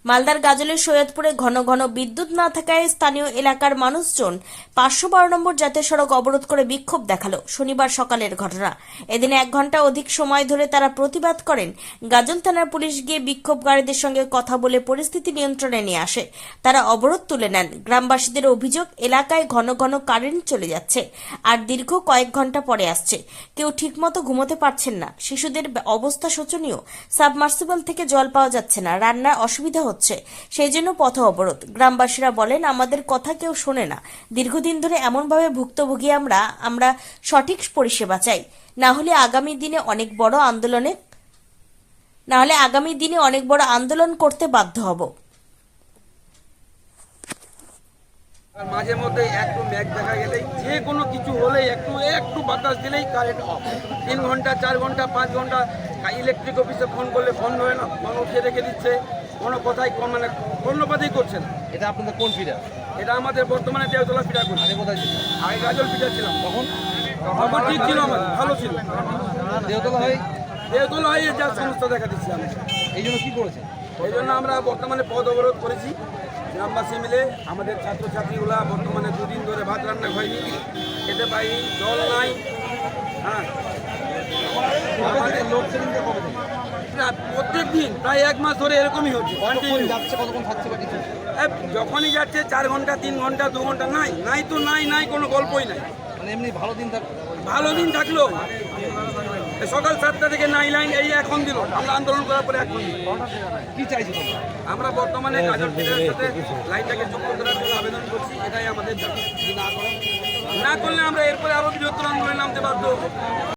মালদার গাজলের সৈয়দপুরে ঘন ঘন বিদ্যুৎ না থাকায় স্থানীয় এলাকার মানুষজন 512 নম্বর জাতীয় সড়ক অবরোধ করে বিক্ষোভ দেখালো। শনিবার সকালের ঘটনা। এদিন 1 ঘন্টা অধিক সময় ধরে তারা প্রতিবাদ করেন। গাজল থানার পুলিশ গিয়ে বিক্ষোভকারীদের সঙ্গে কথা বলে পরিস্থিতি নিয়ন্ত্রণে নিয়ে আসে। তারা অবরোধ তুলে নেন। গ্রামবাসীদের অভিযোগ, এলাকায় ঘন ঘন কারেন্ট চলে যাচ্ছে আর দীর্ঘ কয়েক ঘন্টা পরে আসছে। কেউ ঠিকমতো ঘুমোতে পারছেন না। শিশুদের অবস্থা শোচনীয়। সাবমার্সিবল থেকে জল পাওয়া যাচ্ছে না। রান্নার অসুবিধা হচ্ছে, সেই জন্য পথ অবরোধ। গ্রামবাসীরা বলেন, আমাদের কথা কেউ শোনে না। দীর্ঘদিন ধরে এমনভাবে ভুক্তভোগী আমরা সঠিক পরিষেবা চাই, না হলে আগামী দিনে অনেক বড় আন্দোলন করতে বাধ্য হব। আর মাঝে মধ্যে একটু মেঘ দেখা গেলেই যে কোনো কিছু হলেই একটু বাতাস দিলেই কারেন্ট অফ। 3 ঘন্টা 4 ঘন্টা 5 ঘন্টা ইলেকট্রিক অফিসে ফোন করলে ফোন ধরে না, ফোন উঠিয়ে রেখে দিচ্ছে, কোনো কথাই মানে ধন্যবাদই করছে না। এটা আপনাদের কোন ফিডার? এটা আমাদের বর্তমানে দেওতলা ফিডার করছে। আগে কোথায় ছিল? আগে গাজল ফিডার ছিলাম, তখন ঠিক ছিল, আমাদের ভালো ছিল। দেওতলা হয়ে যা সমস্যা দেখা দিচ্ছে আমি, এই জন্য কি করেছে? এই জন্য আমরা বর্তমানে পথ অবরোধ করেছি। গ্রামবাসী মিলে আমাদের ছাত্রছাত্রীগুলা বর্তমানে 2 দিন ধরে ভাত রান্না হয়নি, খেতে পাইনি, জল নাই। হ্যাঁ, আমাদের লোডশেডিংটা কবে থেকে? প্রত্যেক দিন প্রায় 1 মাস ধরে এরকমই হচ্ছে। কতক্ষণ যাচ্ছে, কতক্ষণ থাকছে বা কিছু? যখনই যাচ্ছে 4 ঘন্টা 3 ঘন্টা 2 ঘন্টা, নাই কোনো গল্পই নাই। মানে এমনি ভালো দিন থাকবে? ভালো দিন থাকলো সকাল 7টা থেকে নাই লাইন, এই এখন দিল। আমরা আন্দোলন করার পরে এখন দিল। কি চাইছি তোমরা? আমরা বর্তমানে গাজল ফিডারের সাথে লাইনটাকে যুক্ত করার জন্য আবেদন করছি, এটাই আমাদের দাবি। না করলে আমরা এরপরে আরো বৃহত্তর আন্দোলনে নামতে বাধ্য হব।